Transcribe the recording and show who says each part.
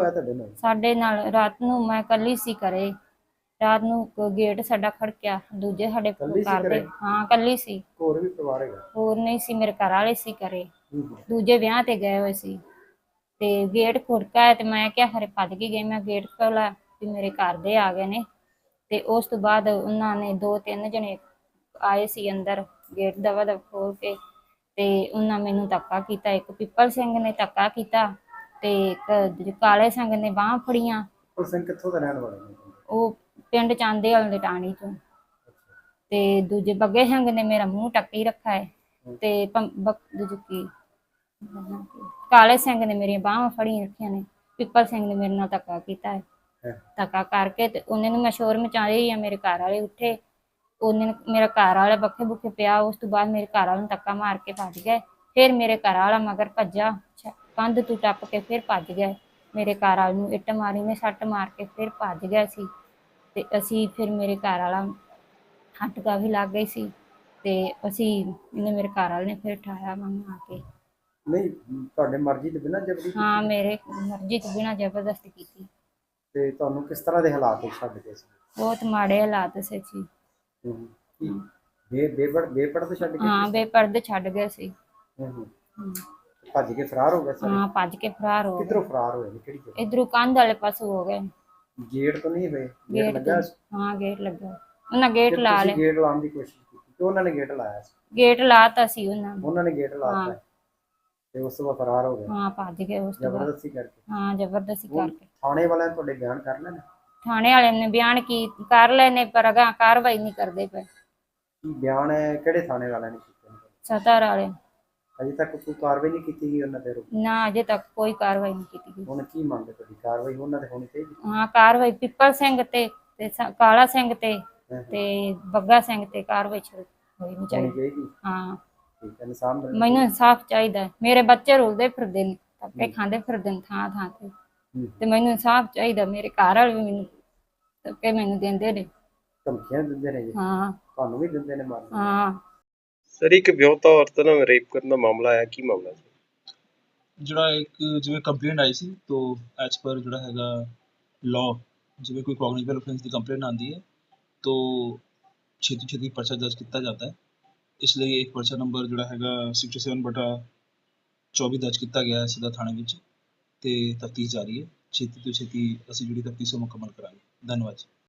Speaker 1: ਹੋਇਆ ਤੁਹਾਡੇ ਨਾਲ?
Speaker 2: ਸਾਡੇ ਨਾਲ ਰਾਤ ਨੂੰ ਮੈਂ ਕੱਲੀ ਸੀ ਘਰੇ। ਰਾਤ ਨੂੰ ਗੇਟ ਸਾਡਾ ਖੜਕਿਆ, ਦੂਜੇ ਸਾਡੇ
Speaker 1: ਕੱਲੀ ਸੀ
Speaker 2: ਘਰ
Speaker 1: ਘਰੇ?
Speaker 2: ਦੇ, ਹਾਂ ਕੱਲੀ ਸੀ,
Speaker 1: ਹੋਰ ਵੀ ਪਰਿਵਾਰ ਹੈਗਾ?
Speaker 2: ਹੋਰ ਨਹੀਂ ਸੀ, ਮੇਰੇ ਘਰ ਵਾਲੇ ਸੀ ਘਰੇ,
Speaker 1: ਹੂੰ।
Speaker 2: ਦੂਜੇ ਵਿਆਹ ਤੇ ਗਏ ਹੋਏ ਸੀ। ਤੇ ਗੇਟ ਖੁੜਕਾ ਤੇ ਮੈਂ ਕਿਹਾ ਖਰੇ ਭੱਜ ਕੇ ਗਈ, ਮੈਂ ਗੇਟ ਖੋਲ੍ਹਿਆ ਵੀ ਮੇਰੇ ਘਰ ਦੇ ਆ ਗਏ ਨੇ। ਤੇ ਉਸ ਤੋਂ ਬਾਅਦ ਉਹਨਾਂ ਨੇ 2-3 ਜਣੇ ਆਏ ਸੀ ਅੰਦਰ, ਗੇਟ ਦਵਾ ਦਵ ਖੋਲ ਕੇ, ਤੇ ਉਹਨਾਂ ਮੈਨੂੰ ਧੱਕਾ ਕੀਤਾ। ਇੱਕ ਪਿੱਪਲ ਸਿੰਘ ਨੇ ਧੱਕਾ ਕੀਤਾ ਤੇ ਇੱਕ ਕਾਲੇ ਸਿੰਘ ਨੇ ਬਾਹਾਂ ਫੜੀਆਂ।
Speaker 1: ਪਿੱਪਲ ਸਿੰਘ ਕਿੱਥੋਂ ਦਾ ਰਹਿਣ ਵਾਲਾ ਨੇ?
Speaker 2: ਉਹ ਪਿੰਡ ਚਾਂਦੇ ਵਾਲੇ ਦੇ ਟਾਣੀ ਚੋਂ। ਤੇ ਦੂਜੇ ਬੱਗੇ ਸਿੰਘ ਨੇ ਮੇਰਾ ਮੂੰਹ ਟੱਕੀ ਰੱਖਾ ਹੈ। ਤੇ ਦੂਜੀ ਕੀ ਕਾਲੇ ਸਿੰਘ ਨੇ ਮੇਰੀਆਂ ਬਾਹਾਂ ਫੜੀਆਂ ਰੱਖੀਆਂ ਨੇ। ਪਿੱਪਲ ਸਿੰਘ ਨੇ ਮੇਰੇ ਨਾਲ ਧੱਕਾ ਕੀਤਾ ਹੈ। ਧੱਕਾ ਕਰਕੇ ਤੇ ਉਹਨੇ ਨੂੰ ਮੈਂ ਸ਼ੋਰ ਮਚਾਈ ਆ, ਮੇਰੇ ਘਰ ਵਾਲੇ ਉੱਠੇ, ਉਹਨੇ ਮੇਰਾ ਘਰ ਵਾਲਾ ਬੱਖੇ ਬੁੱਖੇ ਪਿਆ। ਉਸ ਤੋਂ ਬਾਅਦ ਮੇਰੇ ਘਰ ਵਾਲੇ ਨੂੰ ਧੱਕਾ ਮਾਰ ਕੇ ਭੱਜ ਗਏ। ਫਿਰ ਮੇਰੇ ਘਰ ਵਾਲਾ ਮਗਰ ਭੱਜਾ, ਕੰਧ ਤੋਂ ਟੱਪ ਕੇ ਫਿਰ ਭੱਜ ਗਏ। ਮੇਰੇ ਘਰ ਵਾਲੇ ਨੂੰ ਇੱਟ ਮਾਰੀ ਨੇ, ਸੱਟ ਮਾਰ ਕੇ ਫਿਰ ਭੱਜ ਗਏ ਸੀ। ਤੇ ਅਸੀਂ ਫਿਰ ਮੇਰੇ ਘਰ ਵਾਲਾ ਹੱਟਕਾ ਵੀ ਲੱਗ ਗਈ ਸੀ। ਤੇ ਅਸੀਂ ਇਹਨੇ ਮੇਰੇ ਘਰ ਵਾਲੇ ਨੇ ਫਿਰ ਉਠਾਇਆ ਮੈਨੂੰ ਆ ਕੇ।
Speaker 1: ਨਹੀਂ, ਤੁਹਾਡੇ ਮਰਜ਼ੀ ਤੋਂ ਬਿਨਾਂ ਜਬਰੀ ਕੀਤੀ?
Speaker 2: ਹਾਂ, ਮੇਰੇ ਮਰਜ਼ੀ ਤੋਂ ਬਿਨਾਂ ਜ਼ਬਰਦਸਤੀ ਕੀਤੀ।
Speaker 1: ਤੇ ਤੁਹਾਨੂੰ ਕਿਸ ਤਰ੍ਹਾਂ ਦੇ ਹਾਲਾਤ ਛੱਡ ਗਏ ਸੀ?
Speaker 2: ਬਹੁਤ ਮਾੜੇ ਹਾਲਾਤ ਸੀ ਜੀ।
Speaker 1: ਕੀ ਬੇਪਰਦ ਛੱਡ ਗਏ?
Speaker 2: ਹਾਂ, ਬੇਪਰਦੇ ਛੱਡ ਗਏ ਸੀ।
Speaker 1: ਭੱਜ ਕੇ ਫਰਾਰ ਹੋ ਗਏ ਸਾਰੇ?
Speaker 2: ਹਾਂ, ਭੱਜ ਕੇ ਫਰਾਰ ਹੋ ਗਏ।
Speaker 1: ਕਿੱਧਰੋਂ ਫਰਾਰ ਹੋਏ ਨੇ, ਕਿਹੜੀ ਜਗ੍ਹਾ?
Speaker 2: ਇਧਰੋਂ ਕੰਧ ਵਾਲੇ ਪਾਸੋਂ ਹੋ ਗਏ।
Speaker 1: ਗੇਟ ਤੋਂ ਨਹੀਂ ਹੋਏ? ਗੇਟ
Speaker 2: ਗੇਟ
Speaker 1: ਲੱਗਾ
Speaker 2: ਤੋਂ,
Speaker 1: ਸੀ?
Speaker 2: ਹਾਂ ਗੇਟ ਲੱਗਾ। ਉਹਨਾਂ ਗੇਟ ਲਾ
Speaker 1: ਤੁਸੀਂ
Speaker 2: ਲਿਆ।
Speaker 1: ਗੇਟ ਲਾਉਣ ਦੀ ਕੋਸ਼ਿਸ਼ ਕੀਤੀ ਕਿ ਉਹਨਾਂ ਨੇ ਗੇਟ ਲਾਇਆ ਸੀ?
Speaker 2: ਗੇਟ ਲਾਤਾ ਸੀ ਉਹਨਾਂ ਨੇ।
Speaker 1: ਉਹਨਾਂ ਨੇ ਗੇਟ ਲਾਤਾ ਤੇ ਉਸ ਤੋਂ ਬਾਅਦ ਫਰਾਰ ਹੋ ਗਏ?
Speaker 2: ਹਾਂ, ਭੱਜ ਗਏ ਉਸ ਤੋਂ ਬਾਅਦ।
Speaker 1: ਜ਼ਬਰਦਸਤੀ ਕਰਕੇ?
Speaker 2: ਹਾਂ, ਜ਼ਬਰਦਸਤੀ ਕਰਕੇ।
Speaker 1: ਥਾਣੇ ਵਾਲਿਆਂ ਨੇ ਤੁਹਾਡੇ ਬਿਆਨ ਕਰ ਲੈਣੇ?
Speaker 2: ਥਾਣੇ ਵਾਲਿਆਂ ਨੇ ਬਿਆਨ ਕਰ ਲਏ ਨੇ, ਪਰ ਅਗਾਂਹ ਕਾਰਵਾਈ ਨਹੀਂ ਕਰਦੇ ਪਏ।
Speaker 1: ਕੀ ਬਿਆਨ ਹੈ? ਕਿਹੜੇ ਥਾਣੇ ਵਾਲਿਆਂ ਨੇ ਕੀਤੇ ਨੇ?
Speaker 2: ਸਤਰ ਵਾਲੇ।
Speaker 1: ਅਜੇ ਤੱਕ ਕੋਈ ਕਾਰਵਾਈ ਨਹੀਂ ਕੀਤੀ ਗਈ ਉਹਨਾਂ ਤੇ?
Speaker 2: ਨਾ, ਅਜੇ ਤੱਕ ਕੋਈ ਕਾਰਵਾਈ ਨਹੀਂ ਕੀਤੀ ਗਈ।
Speaker 1: ਹੁਣ ਕੀ ਮੰਗਦੇ ਤੁਹਾਡੀ? ਕਾਰਵਾਈ ਉਹਨਾਂ ਤੇ ਹੋਣੀ ਚਾਹੀਦੀ?
Speaker 2: ਹਾਂ, ਕਾਰਵਾਈ ਪਿੱਪਲ ਸਿੰਘ ਤੇ ਕਾਲਾ ਸਿੰਘ ਤੇ ਬੱਗਾ ਸਿੰਘ ਤੇ ਕਾਰਵਾਈ ਹੋਣੀ ਚਾਹੀਦੀ। ਹਾਂ,
Speaker 1: ਠੀਕ ਹੈ। ਇਨਸਾਨ
Speaker 2: ਮੈਨੂੰ ਇਨਸਾਫ ਚਾਹੀਦਾ। ਮੇਰੇ ਬੱਚੇ ਰੁਲਦੇ ਫਿਰਦੇ ਨੇ, ਧੱਕੇ ਖਾਂਦੇ ਫਿਰਦੇ ਨੇ ਥਾਂ ਥਾਂ ਤੇ ਮੈਨੂੰ ਇਨਸਾਫ ਚਾਹੀਦਾ। ਮੇਰੇ ਘਰ ਵਾਲੇ ਵੀ ਮੈਨੂੰ ਧੱਕੇ ਮੈਨੂੰ ਦਿੰਦੇ ਨੇ।
Speaker 1: ਧਮਕੀਆਂ ਦਿੰਦੇ ਨੇ ਜੀ?
Speaker 2: ਹਾਂ।
Speaker 1: ਤੁਹਾਨੂੰ ਵੀ ਦਿੰਦੇ ਨੇ ਮਾਰਨ?
Speaker 2: ਹਾਂ।
Speaker 3: ਸਰ, ਇੱਕ ਵਿਆਹੁਤਾ ਔਰਤ ਨਾਲ ਰੇਪ ਕਰਨ ਦਾ ਮਾਮਲਾ ਆਇਆ, ਕੀ ਮਾਮਲਾ ਸੀ?
Speaker 4: ਜਿਹੜਾ ਇੱਕ ਜਿਵੇਂ ਕੰਪਲੇਂਟ ਆਈ ਸੀ, तो ਐਜ਼ ਪਰ ਜਿਹੜਾ ਹੈਗਾ ਲਾਅ, ਜਿਵੇਂ ਕੋਈ ਕੌਗਨੀਟਿਵ ऑफेंस ਦੀ ਕੰਪਲੇਂਟ ਆਉਂਦੀ ਹੈ तो ਛੇਤੀ ਛੇਤੀ ਪਰਚਾ ਦਰਜ ਕੀਤਾ ਜਾਂਦਾ ਹੈ। ਇਸ ਲਈ ਇੱਕ ਪਰਚਾ ਨੰਬਰ ਜਿਹੜਾ ਹੈਗਾ 67/24 ਦਰਜ ਕੀਤਾ ਗਿਆ ਹੈ ਸਿੱਧਾ ਥਾਣੇ ਵਿੱਚ, ਤੇ ਤਫਤੀਸ਼ ਜਾਰੀ ਹੈ। ਛੇਤੀ ਤੋਂ ਛੇਤੀ ਅਸੀਂ ਜਿਹੜੀ ਤਫਤੀਸ਼ ਉਹ ਮੁਕੰਮਲ ਕਰਾਂਗੇ। ਧੰਨਵਾਦ।